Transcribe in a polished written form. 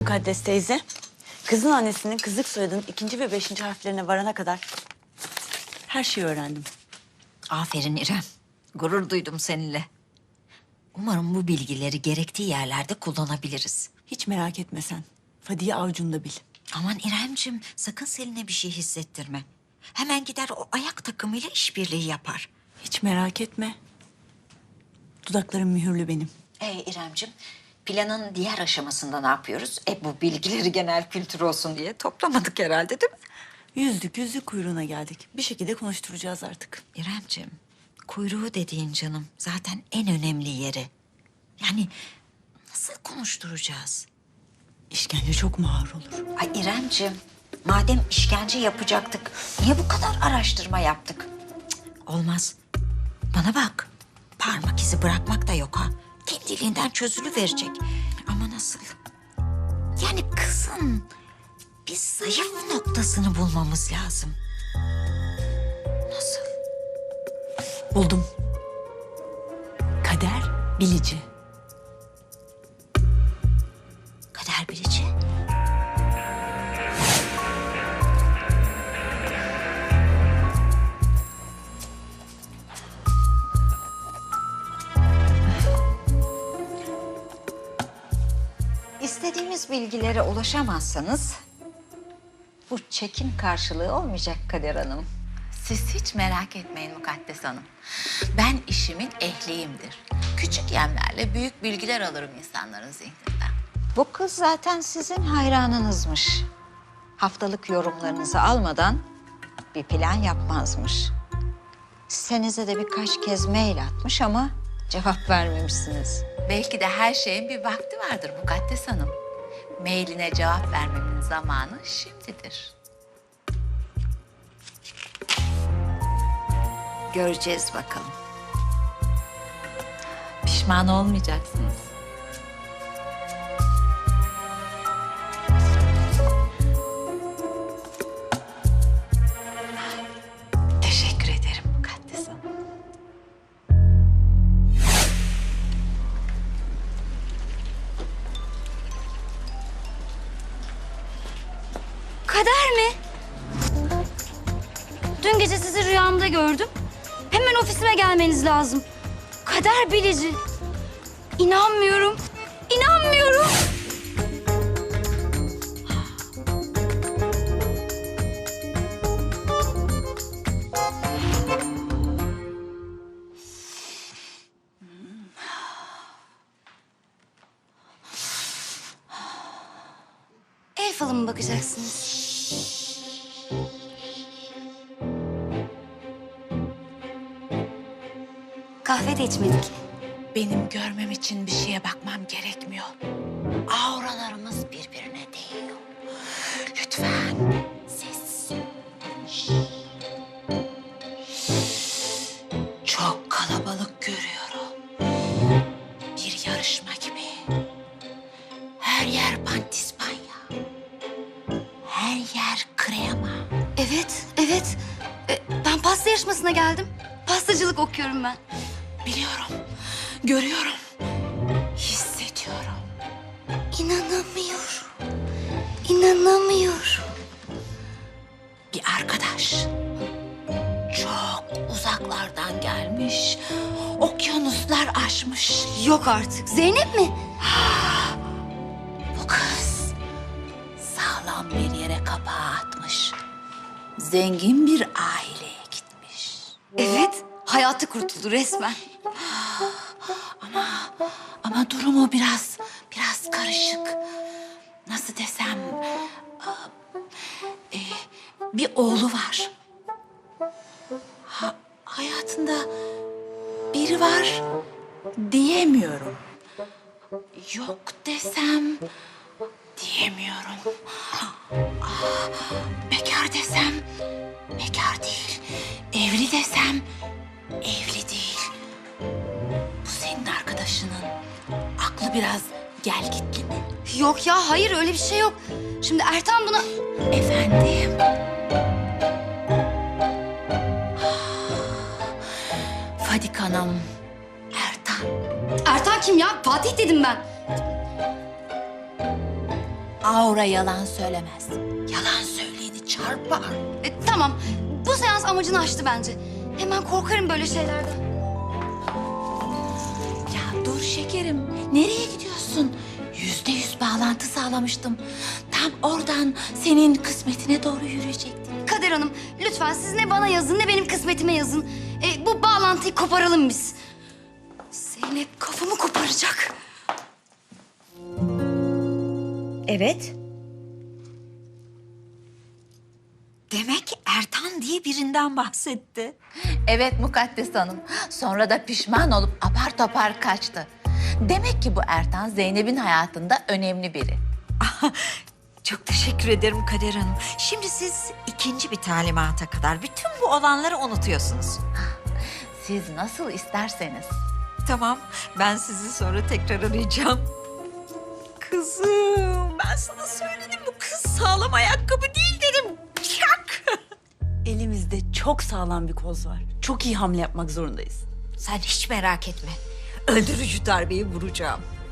Mukaddes teyze, kızın annesinin kızlık soyadının 2. ve 5. harflerine varana kadar her şeyi öğrendim. Aferin İrem. Gurur duydum seninle. Umarım bu bilgileri gerektiği yerlerde kullanabiliriz. Hiç merak etme sen. Fadiye avucunda bil. Aman İremcim, sakın Selin'e bir şey hissettirme. Hemen gider o ayak takımıyla işbirliği yapar. Hiç merak etme. Dudaklarım mühürlü benim. İremcim, planın diğer aşamasında ne yapıyoruz? Bu bilgileri genel kültür olsun diye toplamadık herhalde, değil mi? Yüzlük kuyruğuna geldik. Bir şekilde konuşturacağız artık. İremcim, kuyruğu dediğin canım zaten en önemli yeri. Yani nasıl konuşturacağız? İşkence çok mu ağır olur? Ay İremcim, madem işkence yapacaktık, niye bu kadar araştırma yaptık? Cık, olmaz. Bana bak, parmak izi bırakmak da yok ha. Kendiliğinden çözülüverecek. Ama nasıl? Yani kızın bir zayıf noktasını bulmamız lazım. Nasıl? Buldum. Kader bilici. Kader bilici. İstediğimiz bilgilere ulaşamazsanız bu çekim karşılığı olmayacak Kader Hanım. Siz hiç merak etmeyin Mukaddes Hanım. Ben işimin ehliyimdir. Küçük yemlerle büyük bilgiler alırım insanların zihninden. Bu kız zaten sizin hayranınızmış. Haftalık yorumlarınızı almadan bir plan yapmazmış. Senize de birkaç kez mail atmış ama cevap vermemişsiniz. Belki de her şeyin bir vakti vardır Mukaddes Hanım. Mailine cevap vermemin zamanı şimdidir. Göreceğiz bakalım. Pişman olmayacaksınız. Teşekkür ederim Mukaddes Hanım. Kader mi? Dün gece sizi rüyamda gördüm. Hemen ofisime gelmeniz lazım. Kader bilici. İnanmıyorum. İnanmıyorum. El falı mı bakacaksınız? Kahve de içmedik. Benim görmem için bir şeye bakmam gerekmiyor. Auralarımız birbirine değiyor. Lütfen sessiz. Çok kalabalık görüyorum. Bir yarışma gibi. Her yer pandispanya. Her yer krema. Evet, evet. Ben pasta yarışmasına geldim. Pastacılık okuyorum ben. Biliyorum, görüyorum, hissediyorum. İnanamıyorum. İnanamıyorum. Bir arkadaş çok uzaklardan gelmiş, okyanuslar aşmış. Yok artık. Zeynep mi? Bu kız sağlam bir yere kapağı atmış. Zengin bir aileye gitmiş. Evet. Hayatı kurtuldu resmen. Ama durumu biraz karışık. Nasıl desem, bir oğlu var. Hayatında biri var diyemiyorum. Yok desem diyemiyorum. Bekar desem bekar değil. Evli desem evli değil. Bu senin arkadaşının aklı biraz gelgitli mi? Yok ya, hayır öyle bir şey yok. Şimdi Ertan buna... Efendim? Fadik Hanım, Ertan. Ertan kim ya? Fatih dedim ben. Aura yalan söylemez. Yalan söyleyeni çarpar. Tamam. Bu seans amacını aştı bence. Hemen korkarım böyle şeylerden. Ya dur şekerim, nereye gidiyorsun? %100 bağlantı sağlamıştım. Tam oradan senin kısmetine doğru yürüyecektim. Kader Hanım, lütfen siz ne bana yazın ne benim kısmetime yazın. Bu bağlantıyı koparalım biz. Zeynep kafamı koparacak. Evet. Demek Ertan diye birinden bahsetti. Evet Mukaddes Hanım. Sonra da pişman olup apar topar kaçtı. Demek ki bu Ertan Zeynep'in hayatında önemli biri. Çok teşekkür ederim Kader Hanım. Şimdi siz ikinci bir talimata kadar bütün bu olanları unutuyorsunuz. Siz nasıl isterseniz. Tamam, ben sizi sonra tekrar arayacağım. Kızım, ben sana söyledim bu kız sağlam ayakkabı değil dedim. Çak! Elimizde çok sağlam bir koz var. Çok iyi hamle yapmak zorundayız. Sen hiç merak etme. Öldürücü darbeyi vuracağım.